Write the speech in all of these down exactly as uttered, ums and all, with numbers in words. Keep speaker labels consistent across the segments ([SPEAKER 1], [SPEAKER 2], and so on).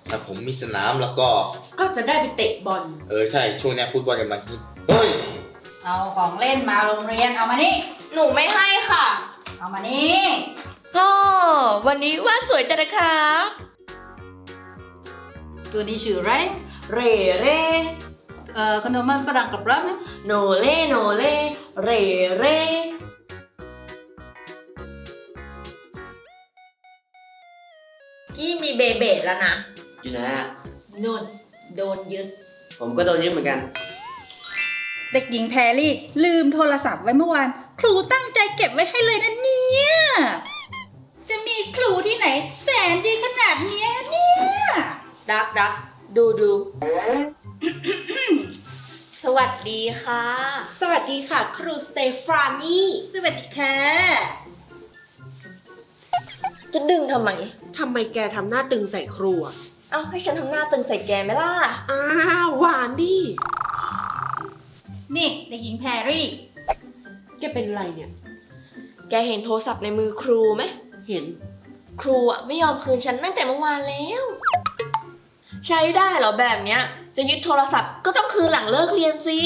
[SPEAKER 1] ถ้าผมมีสนามแล้วก็
[SPEAKER 2] ก็จะได้ไปเตะบอล
[SPEAKER 1] เออใช่ช่วงนี้ฟุตบอลกำลังฮิตเฮ้ย
[SPEAKER 3] เอาของเล่นมาโรงเรียนเอามานี่
[SPEAKER 2] หนูไม่ให้ค่ะ
[SPEAKER 3] เอามานี่
[SPEAKER 2] ก็วันนี้วาดสวยจังนะครับ
[SPEAKER 3] ตัวนี้ชื่ออะไร
[SPEAKER 2] เรเร่
[SPEAKER 3] เอ่อขนมมันฝรั่งกับรักนะ
[SPEAKER 2] โนเล่โนเล่เรเร่กี้มีเบเบดแล้วนะ
[SPEAKER 4] อยู่ไหนอะ
[SPEAKER 2] นุ่นโดนยึด
[SPEAKER 4] ผมก็โดนยึดเหมือนกัน
[SPEAKER 3] เด็กหญิงแพรรี่ลืมโทรศัพท์ไว้เมื่อวานครูตั้งใจเก็บไว้ให้เลยนะเนี่ยจะมีครูที่ไหนแสนดีขนาดเนี้ยเนี่ย
[SPEAKER 2] ดักดักดูดู สวัสดีค่ะ
[SPEAKER 5] สวัสดีค่ะ ครูสเตฟานี
[SPEAKER 3] สวัสดีค่ะ
[SPEAKER 2] จะดึงทำไม
[SPEAKER 5] ทำไมแกทำหน้าตึงใส่ครูอ่ะ
[SPEAKER 2] เอ้าให้ฉันทำหน้าตึงใส่แกไหมล่ะ
[SPEAKER 5] อ้าวหวานดิ
[SPEAKER 3] นี่เด็กหญิงแพรรี่
[SPEAKER 5] แกเป็นไรเนี่ย
[SPEAKER 2] แกเห็นโทรศัพท์ในมือครูไหม
[SPEAKER 5] เห็น
[SPEAKER 2] ครูอ่ะไม่ยอมคืนฉันตั้งแต่เมื่อวานแล้ว ใช้ได้เหรอแบบเนี้ย จะยึดโทรศัพท์ก็ต้องคืนหลังเลิกเรียนสิ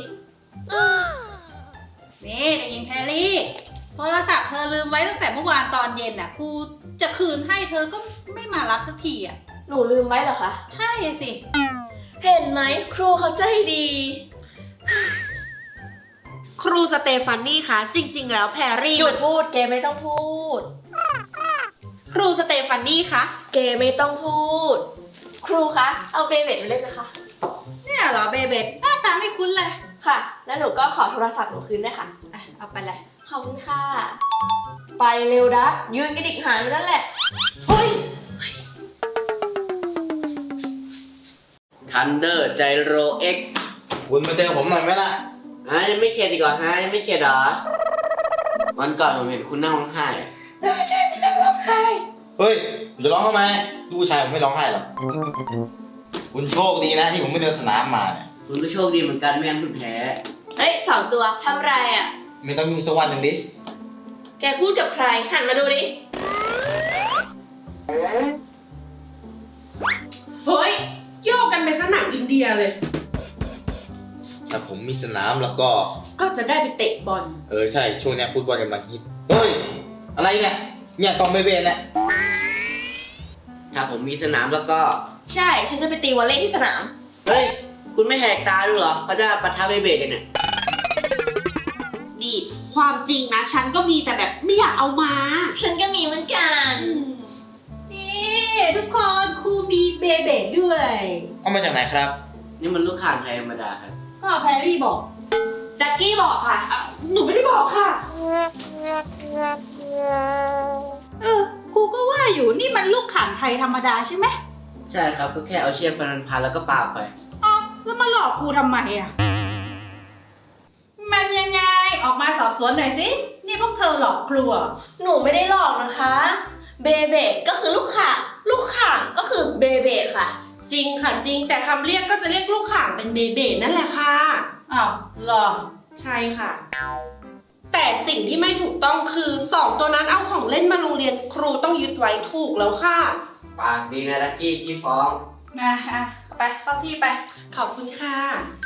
[SPEAKER 3] นี่เด็กหญิงแพรรี่โทรศัพท์เธอลืมไว้ตั้งแต่เมื่อวานตอนเย็นน่ะครูจะคืนให้เธอก็ไม่มารับสักทีอ่ะ
[SPEAKER 2] หนูลืมไว้เหรอคะ
[SPEAKER 3] ใช่สิ
[SPEAKER 2] เห็นไหมครูเขาใจดี
[SPEAKER 5] ครูสเตฟานีคะจริง ๆ แล้วแพรรี่
[SPEAKER 2] หยุ
[SPEAKER 5] มั
[SPEAKER 2] ด
[SPEAKER 5] น
[SPEAKER 2] พูดแกไม่ต้องพูด
[SPEAKER 5] ครูสเตฟานีคะ
[SPEAKER 2] แกไม่ต้องพูด ครูคะ เอาเบเบดไปเล่นนะคะ
[SPEAKER 3] เนี่ยเหรอเบเบหน้าตาไม่คุ้นเลย
[SPEAKER 2] ค่ะ แล้วหนูก็ขอโทรศัพท์หนูคืนด้วยค่ะ
[SPEAKER 3] อ่ะเอาไปเลย
[SPEAKER 2] ขอบคุณค่ะ ไปเร็วดักยืนกระดิกหางอยู่นั่นแหละ
[SPEAKER 3] เฮ้ย
[SPEAKER 4] ทันเดอร์ไจโรเอ็ก
[SPEAKER 1] คุณมาเจอผมหน่อยไหมล่ะ
[SPEAKER 4] ฮะยังไม่เข็ดอีกเหรอฮะยังไม่เข็ดเหรอ วันก่อนผมเห็นคุณนั่งร้องไห้อะ
[SPEAKER 1] เฮ้ยผมจะร้องทำไมลูกผู้ชายผมไม่ร้องไห้หรอกคุณโชคดีนะที่ผมไม่เดินสนามมาเนี่ย
[SPEAKER 4] คุณก็โชคดีเหมือนกันไม่งั้นคุณแพ้
[SPEAKER 2] เฮ้ยสองตัวทำไรอ่ะ
[SPEAKER 1] ไม่ต้องยุ่งสักวันหนึ่งดิ
[SPEAKER 2] แกพูดกับใคร หันมาดูดิ
[SPEAKER 5] เฮ้ยโยกกันเป็นสนามอินเดียเลย
[SPEAKER 1] ถ้าผมมีสนามแล้วก็
[SPEAKER 2] ก็จะได้ไปเตะบอล
[SPEAKER 1] เออใช่ช่วงนี้ฟุตบอลกำลังฮิตเฮ้ยอะไรเนี่ยเนี่ยกองเบเบนเนี่ย
[SPEAKER 4] ถ้าผมมีสนามแล้วก็
[SPEAKER 2] ใช่ ฉันจะไปตีวอลเลย์ที่สนาม
[SPEAKER 4] เฮ้ย คุณไม่แหกตาดูเหรอเขาจะปะทะเบเบกันเนี่ย
[SPEAKER 5] นี่ ความจริงนะ ฉันก็มีแต่แบบไม่อยากเอามา
[SPEAKER 2] ฉันก็มีเหมือนกัน
[SPEAKER 3] นี่ทุกคนครูมีเบเบด้วย
[SPEAKER 1] เอามาจากไหนครับ
[SPEAKER 4] นี่มันลูกข่างไทยธรรมดาครับ
[SPEAKER 3] ก็แพรรี่บอก
[SPEAKER 2] ดักกี้บอกค่ะ
[SPEAKER 5] หนูไม่ได้บอกค่ะ
[SPEAKER 3] เออครูก็ว่าอยู่นี่มันลูกข่างไทยธรรมดาใช่ไหม
[SPEAKER 4] ใช่ครับก็แค่เอาเชือกพันพันแล้วก็ปาไป
[SPEAKER 3] อ๋อแล้วมาหลอกครูทำไมอ่ะ มันยังไงออกมาสอบสวนหน่อยสิ นี่พวกเธอหลอกครูเหรอ
[SPEAKER 2] หนูไม่ได้หลอกนะคะ เบเบก็คือลูกข่าง ลูกข่างก็คือเบเบค่ะ
[SPEAKER 5] จริงค่ะจริง แต่คำเรียกก็จะเรียกลูกข่างเป็นเบเบนั่นแหละค่ะ
[SPEAKER 3] อ้าวหรอ
[SPEAKER 5] ใช่ค่ะ แต่สิ่งที่ไม่ถูกต้องคือสองตัวนั้นเอาของเล่นมาโรงเรียนครูต้องยึดไว้ถูกแล้วค่ะ
[SPEAKER 4] ปากดีนะลักกี้ขี้ฟ้อง
[SPEAKER 3] อ่ะอ่ะไปเข้าที่ไป
[SPEAKER 5] ขอบคุณค่ะ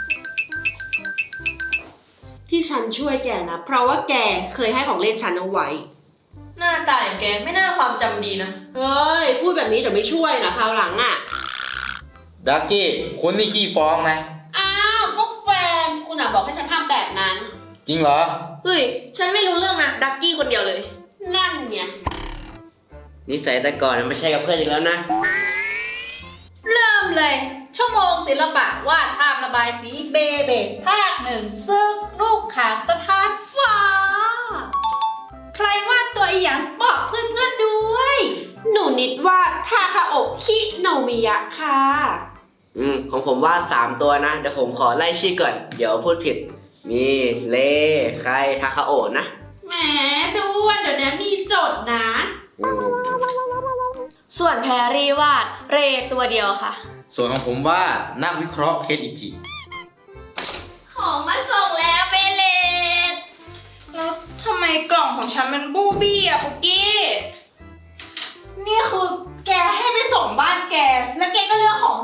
[SPEAKER 5] ที่ฉันช่วยแกนะ เพราะว่าแกเคยให้ของเล่นฉันเอาไว้
[SPEAKER 2] หน้าตาอย่างแกไม่น่าความจำดีนะ
[SPEAKER 5] เฮ้ย พูดแบบนี้เดี๋ยวไม่ช่วยนะคราวหลังอ่ะ
[SPEAKER 1] ดักกี้คุณนี่ขี้ฟ้องนะ
[SPEAKER 5] อ้าวก็แฟนคุณอ่ะบอกให้ฉันทำแบบนั้น
[SPEAKER 1] จริงเหรอ
[SPEAKER 2] เฮ้ย ฉันไม่รู้เรื่องนะ ดักกี้คนเดียวเลย
[SPEAKER 5] นั่นไง
[SPEAKER 4] นิสัยแต่ก่อนไม่ใช่กับเพื่อนอีกแล้วนะ
[SPEAKER 3] เริ่มเลย ชั่วโมงศิลปะวาดภาพระบายสีเบเบภาคหนึ่งซึกลูกข่างสถานฟ้า ใครวาดตัวอีหยังบอกเพื่อนๆด้วย
[SPEAKER 5] หนูนิดว่าทาคาโอะคิโนมิยะค่ะ
[SPEAKER 4] อืมของผมว่าสามตัวนะเดี๋ยวผมขอไล่ชื่อก่อน เดี๋ยวพูดผิด มีเลใครทาคาโอะนะ
[SPEAKER 5] แหมเจะอ้วนเดี๋ยวนี้มีโจทย์นะ
[SPEAKER 4] อืม
[SPEAKER 2] ส่วนแพรรี่วาดเรตัวเดียวค่ะ
[SPEAKER 1] ส่วนของผมว่านักวิเคราะห์เคสอิจิ
[SPEAKER 2] ของมาส่งแล้วเบเลต
[SPEAKER 3] แล้วทำไมกล่องของฉันมันบูบี้อะปุกกี้
[SPEAKER 5] นี่คือแกให้ไปส่งบ้านแก แล้วแกก็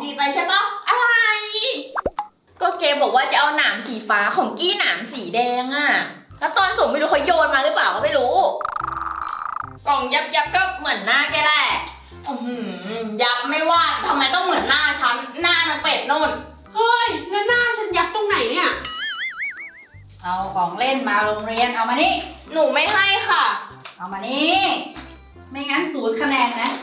[SPEAKER 2] ดีไปใช่ปะอะไร ก็เกบอกว่าจะเอาหนามสีฟ้าของกี้หนามสีแดงอะแล้วตอนส่งไม่รู้เขาโยนมาหรือเปล่าก็ไม่รู้ กล่องยับยับก็เหมือนหน้าแกแหละอือหือยับไม่ว่าทำไมต้องเหมือนหน้าฉันหน้านางเป็ดนู่น
[SPEAKER 5] เฮ้ยแล้วหน้าฉันยับตรงไหนเนี่ย
[SPEAKER 3] เอาของเล่นมาโรงเรียนเอามานี่
[SPEAKER 2] หนูไม่ให้ค่ะ
[SPEAKER 3] เอามานี่ ไม่งั้นศูนย์คะแนนนะ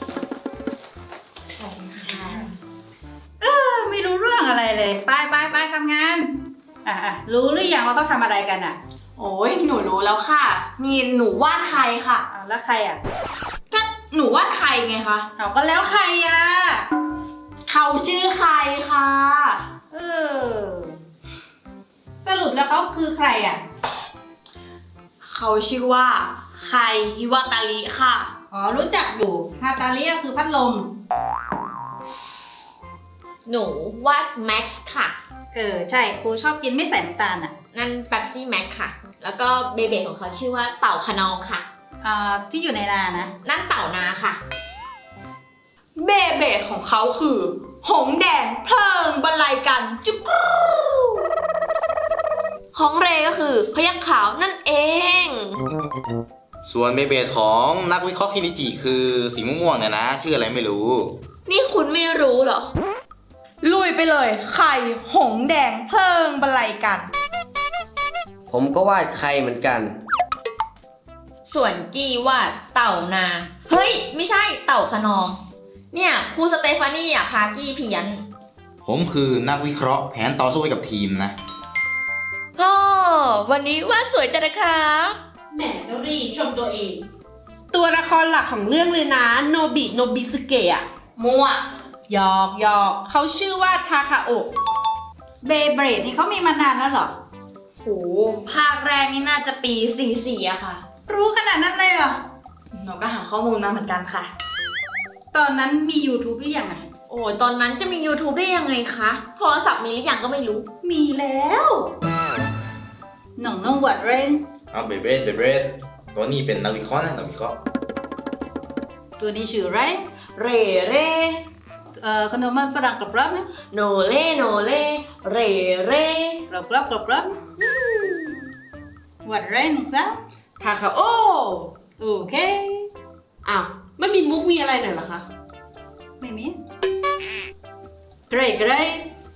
[SPEAKER 3] เออไม่รู้เรื่องอะไรเลย ไปไปไปทำงาน อ่ะอ่ะรู้หรือยังว่าเขาทำอะไรกันอ่ะ
[SPEAKER 2] โอ้ยหนูรู้แล้วค่ะ มีหนูวาดใครค่ะ
[SPEAKER 3] อ่ะแล้วใครอ่ะ
[SPEAKER 2] ก็หนูวาดใครไงคะ
[SPEAKER 3] เอาก็แล้วใครอ่ะ
[SPEAKER 2] เขาชื่อใครค่ะ
[SPEAKER 3] เออ สรุปแล้วเขาคือใครอ่ะ
[SPEAKER 2] เขาชื่อว่าใครฮิวาตาลิค่ะ
[SPEAKER 3] อ๋อรู้จักอยู่ฮาตาเลียคือพัดลม
[SPEAKER 2] หนูวาดแม็กซ์ค่ะ
[SPEAKER 3] เออใช่ครูชอบกินไม่ใส่น้ำตาลอ่ะ
[SPEAKER 2] นั่นแป๊บซี่แม็กค่ะ แล้วก็เบเบของเขาชื่อว่าเต่าขนองค่ะ
[SPEAKER 3] อ่าที่อยู่ในนานะ
[SPEAKER 2] นั่นเต่านาค่ะ
[SPEAKER 6] เบเบดของเขาคือ หงแดงเพลิงบรรลัยกันจุกรู
[SPEAKER 2] ของเรก็คือพยัคฆ์ขาวนั่นเอง
[SPEAKER 1] ส่วนเบเบดของนักวิเคราะห์คินิจิคือสีม่วงๆเนี่ยนะ ชื่ออะไรไม่รู้
[SPEAKER 2] นี่คุณไม่รู้เหรอ
[SPEAKER 6] ลุยไปเลยไข่หงแดงเพลิงบรรลัยกัน
[SPEAKER 4] ผมก็วาดใครเหมือนกัน
[SPEAKER 2] ส่วนกี้วาดเต่านา เฮ้ย ไม่ใช่เต่าขนอง เนี่ยครูสเตฟานี่อ่ะพากี้เพี้ยน
[SPEAKER 1] ผมคือนักวิเคราะห์แผนต่อสู้ให้กับทีมนะ
[SPEAKER 2] พ่อวันนี้วาดสวยจังนะครับ
[SPEAKER 5] แหมเจ้ารีชมตัวเอง ตัวละครหลักของเรื่องเลยนะโนบิโนบิสเกะอะ
[SPEAKER 2] มั่ว
[SPEAKER 5] หยอกหยอกเขาชื่อว่าทาคาโอะ
[SPEAKER 3] เบเบรดนี่เขามีมานานแล้วเหรอ
[SPEAKER 2] โห ภาคแรกนี่น่าจะปีสี่สี่อะค่ะ
[SPEAKER 3] รู้ขนาดนั้นเลยเหรอ
[SPEAKER 2] หนูก็หาข้อมูลมาเหมือนกันค่ะ
[SPEAKER 3] ตอนนั้นมี YouTube หรือยังอ่ะ
[SPEAKER 2] โอ้ยตอนนั้นจะมี YouTube ได้ยังไงคะ โทรศัพท์มีหรือยังก็ไม่รู้
[SPEAKER 3] มีแล้วหน่องน้องวัดเรน
[SPEAKER 1] เอาเบเบดเบเบดตัวนี้เป็นนักวิเคราะห์นะนักวิเคราะห์
[SPEAKER 3] ตัวนี้ชื่ออะไร
[SPEAKER 2] เรเร่
[SPEAKER 3] เอ่อขนมมันฝรั่งกรอบๆนะ
[SPEAKER 2] โนเล่โนเล่เรเร่
[SPEAKER 3] กรอบๆกรอบๆอืมวัดเรนซะ
[SPEAKER 5] ทาคาโอะ
[SPEAKER 3] โอเค
[SPEAKER 5] อ้าวไม่มีมุกมีอะไรหน่อยเหรอคะ
[SPEAKER 3] ไม่มีเกรดเกรด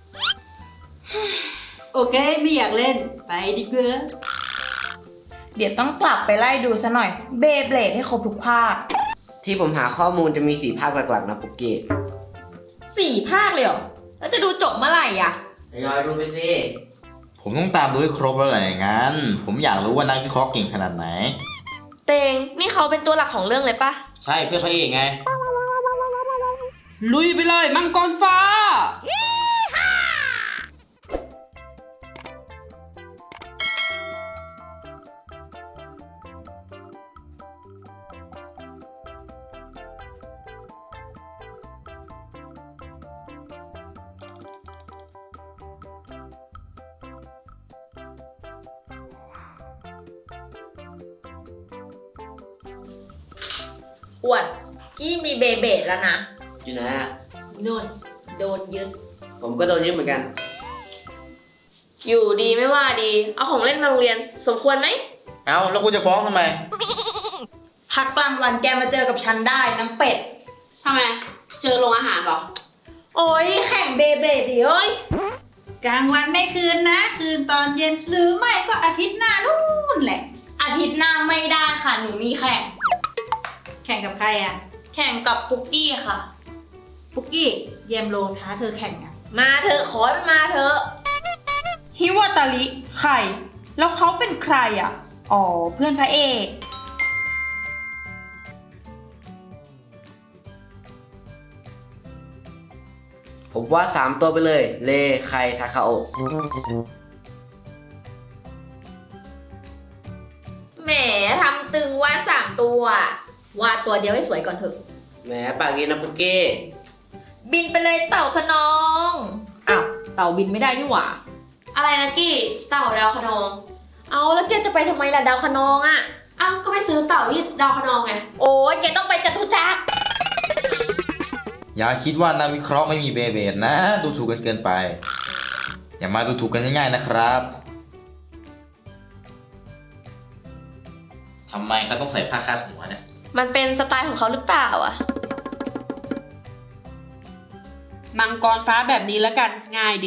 [SPEAKER 3] โอเค ไม่อยากเล่น ไปดีกว่า
[SPEAKER 6] เดี๋ยวต้องกลับไปไล่ดูซะหน่อยเบเบดให้ครบทุกภาค
[SPEAKER 4] ที่ผมหาข้อมูลจะมีสี่ภาคหลักๆนะปุกกี้
[SPEAKER 2] สี่ภาคเลยเหรอ แล้วจะดูจบเมื่อไหร่อะ
[SPEAKER 4] ทยอยดูไปสิ
[SPEAKER 1] ผมต้องตามดูให้ครบแล้วแหละอย่างนั้น ผมอยากรู้ว่านักวิเคราะห์เก่งขนาดไหน
[SPEAKER 2] เตง นี่เขาเป็นตัวหลักของเรื่องเลยปะ
[SPEAKER 1] ใช่เพื่อนพระเอกไง
[SPEAKER 5] ลุยไปเลยมังกรฟ้า
[SPEAKER 2] อวด กี้มีเบเบดแล้วนะ
[SPEAKER 4] อยู่ไหนอะ
[SPEAKER 2] นู่นโดนยึด
[SPEAKER 4] ผมก็โดนยึดเหมือนกัน
[SPEAKER 2] อยู่ดีไม่ว่าดี เอาของเล่นมาโรงเรียน สมควรไหม
[SPEAKER 1] เอาแล้วคุณจะฟ้องทำไม
[SPEAKER 2] พักกลางวันแกมาเจอกับฉันได้น้ำเป็ด
[SPEAKER 5] ทำไม เจอโรงอาหารเหรอ
[SPEAKER 2] โอ้ยแข่งเบเบดดิเอ้ย
[SPEAKER 3] กลางวันไม่คืนนะ คืนตอนเย็นหรือไม่ก็อาทิตย์หน้านู่นแหละ
[SPEAKER 2] อาทิตย์หน้าไม่ได้ค่ะ หนูมีแข่ง
[SPEAKER 3] แข่งกับใครอ่ะ
[SPEAKER 2] แข่งกับปุกกี้ค่ะ
[SPEAKER 3] ปุกกี้เยี่ยมโลท้าเธอแข่งอ่ะ
[SPEAKER 2] มาเถอะขอให้มันมาเถอะ
[SPEAKER 6] ฮิวาตาลิไข่ แล้วเขาเป็นใครอ่ะ อ๋อ เพื่อนพระเอก
[SPEAKER 4] ผมวาดสามตัวไปเลย เลไคทาคาโอะ
[SPEAKER 2] แหมทำตึงวาดสามตัว วาดตัวเดียวให้สวยก่อนเถอะ
[SPEAKER 4] แหมปากดีนะปุกกี้
[SPEAKER 2] บินไปเลยเต่าขนอง อ้าว เต่าบินไม่ได้นี่หว่า อะไรนะกี้เต่าดาวขนอง เอาแล้วแกจะไปทำไมล่ะดาวขนองอะอ้าวก็ไปซื้อเต่าที่ดาวขนองไง โอ้ยแกต้องไปจตุจักร
[SPEAKER 1] อย่าคิดว่านักวิเคราะห์ไม่มีเบเบดนะ ดูถูกกันเกินไป อย่ามาดูถูกกันง่ายๆนะครับทำไมเขาต้องใส่ผ้าคาดหัวเนี่ย
[SPEAKER 2] มันเป็นสไตล์ของเขาหรือเปล่าอ่ะ
[SPEAKER 5] มังกรฟ้าแบบนี้แล้วกันง่ายดี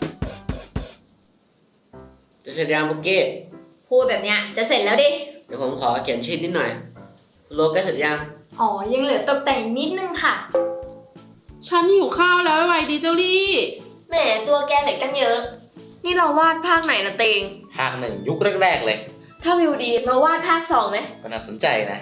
[SPEAKER 4] จะเสร็จยังบุกกี้
[SPEAKER 2] พูดแบบเนี้ยจะเสร็จแล้วดิ
[SPEAKER 4] เดี๋ยวผมขอเขียนชื่อนิดหน่อยคุณโลใกล้เสร็จยัง
[SPEAKER 6] อ๋อ ยังเหลือตกแต่งนิดนึงค่ะ
[SPEAKER 5] ฉันหิวข้าวแล้วไวๆดีเจ้าลี่
[SPEAKER 2] แหมตัวแกเหล็กกันเยอะ นี่เราวาดภาคไหนนะเตง
[SPEAKER 1] ภาคหนึ่งยุคแรกๆเลย
[SPEAKER 2] ถ้าวิวดีมาวาดภาคสองไหม
[SPEAKER 1] ก็น่าสนใจนะ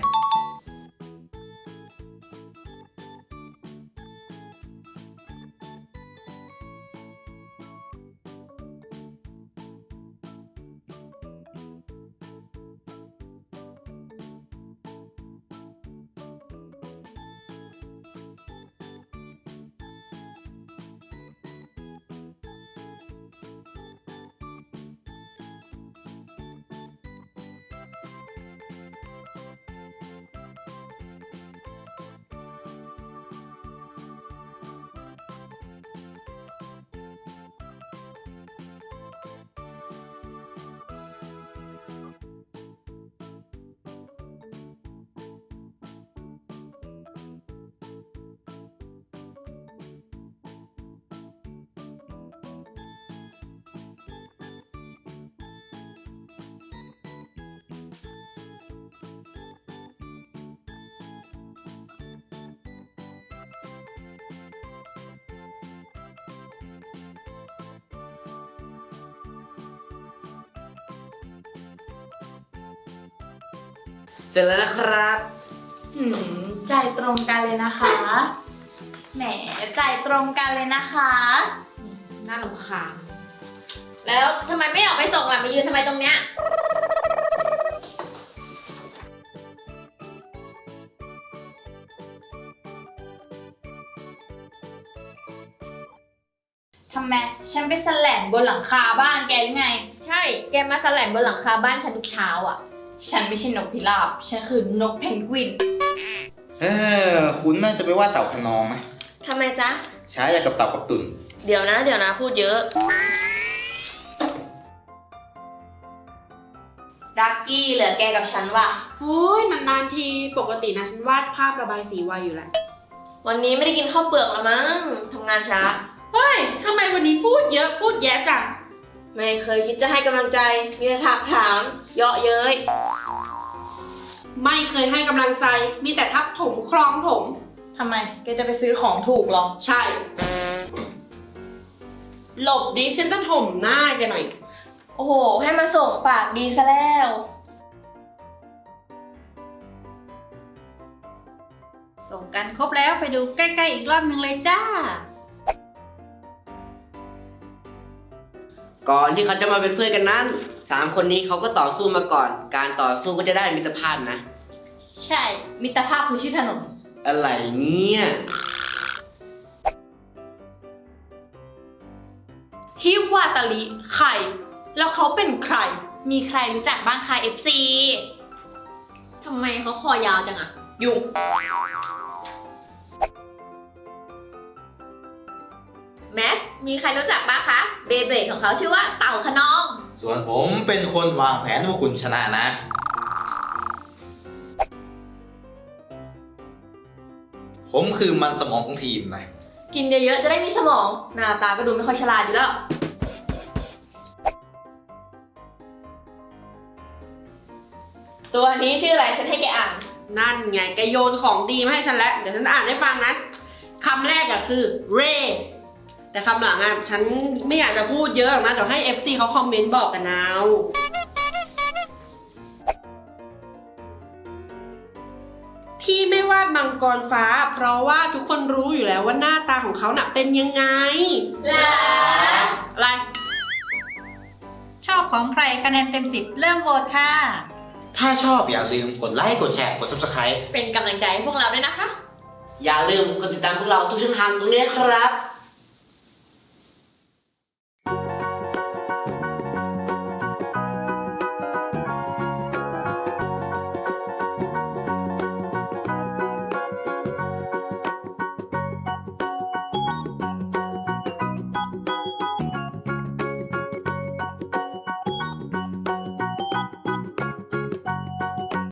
[SPEAKER 4] เสร็จแล้วนะครับ
[SPEAKER 6] หืม ใจตรงกันเลยนะคะ แหม ใจตรงกันเลยนะคะอืมน่ารำคาญ
[SPEAKER 2] แล้วทำไมไม่ออกไปส่งล่ะมายืนทำไมตรงเนี้ย
[SPEAKER 6] ทำไม ฉันไปแสแลนบนหลังคาบ้านแกหรือไง
[SPEAKER 2] ใช่ แกมาสแลนบนหลังคาบ้านฉันทุกเช้าอ่ะ
[SPEAKER 6] ฉันไม่ใช่นกพิราบ ฉันคือนกเพนกวิน
[SPEAKER 1] เออ คุณน่าจะไปว่าเต่าขนองนะ
[SPEAKER 2] ทำไมจ๊ะ
[SPEAKER 1] ใช้อย่างกับเต่ากับตุ่น
[SPEAKER 2] เดี๋ยวนะ เดี๋ยวนะ พูดเยอะ ดักกี้เหลือแกกับฉันว่ะ
[SPEAKER 5] โอ้ยนานๆทีปกตินะฉันวาดภาพระบายสีไวอยู่แหละ
[SPEAKER 2] วันนี้ไม่ได้กินข้าวเปลือกละมั้งทำงานช้า
[SPEAKER 5] เฮ้ยทำไมวันนี้พูดเยอะพูดแยะจัง
[SPEAKER 2] ไม่เคยคิดจะให้กำลังใจ มีแต่ถามถาม เยาะเย้ย
[SPEAKER 5] ไม่เคยให้กำลังใจมีแต่ทับถมคลองถม
[SPEAKER 6] ทำไม แกจะไปซื้อของถูกเหรอ
[SPEAKER 5] ใช่ หลบดิฉันจะถมหน้าแกหน่อย
[SPEAKER 2] โอ้โห ให้มาส่งปากดีซะแล้ว
[SPEAKER 3] ส่งกันครบแล้วไปดูใกล้ๆอีกรอบหนึ่งเลยจ้า
[SPEAKER 4] ก่อนที่เขาจะมาเป็นเพื่อนกันนั้นสามคนนี้เขาก็ต่อสู้มาก่อน การต่อสู้ก็จะได้มิตรภาพนะ
[SPEAKER 6] ใช่ มิตรภาพคือชื่อถนน
[SPEAKER 4] อะไรเนี่ย
[SPEAKER 6] ฮิวาตาลิใคร แล้วเขาเป็นใคร มีใครรู้จักบ้างคะ เอฟ ซี
[SPEAKER 2] ทำไมเขาคอยาวจังอะ
[SPEAKER 6] ยุ่ง
[SPEAKER 2] แมส มีใครรู้จักบ้างคะ เบเบดของเขาชื่อว่าเต่าขนอง
[SPEAKER 1] ส่วนผมเป็นคนวางแผนว่าคุณชนะนะ ผมคือมันสมองของทีมนะ
[SPEAKER 2] กินเยอะๆ จะได้มีสมอง หน้าตาก็ดูไม่ค่อยฉลาดอยู่แล้ว ตัวนี้ชื่ออะไร ฉันให้แกอ่าน
[SPEAKER 5] นั่นไงแกโยนของดีมาให้ฉันแล้ว เดี๋ยวฉันอ่านให้ฟังนะคำแรกอะคือ ray แต่คำหลังอะฉันไม่อยากจะพูดเยอะหรอกนะ เดี๋ยวให้ เอฟ ซี เขาคอมเมนต์บอกกันเอาที่ไม่วาดมังกรฟ้า เพราะว่าทุกคนรู้อยู่แล้วว่าหน้าตาของเขาน่ะเป็นยังไง
[SPEAKER 2] ลา
[SPEAKER 5] อะไร
[SPEAKER 3] ชอบของใครคะแนนเต็มสิบเริ่มโหวตค่ะ
[SPEAKER 1] ถ้าชอบอย่าลืมกดไลค์ กดแชร์ กด ซับสไครบ์
[SPEAKER 2] เป็นกำลังใจให้พวกเราด้วยนะคะ
[SPEAKER 4] อย่าลืมกดติดตามพวกเราทุกช่องทางตรงนี้นะครับ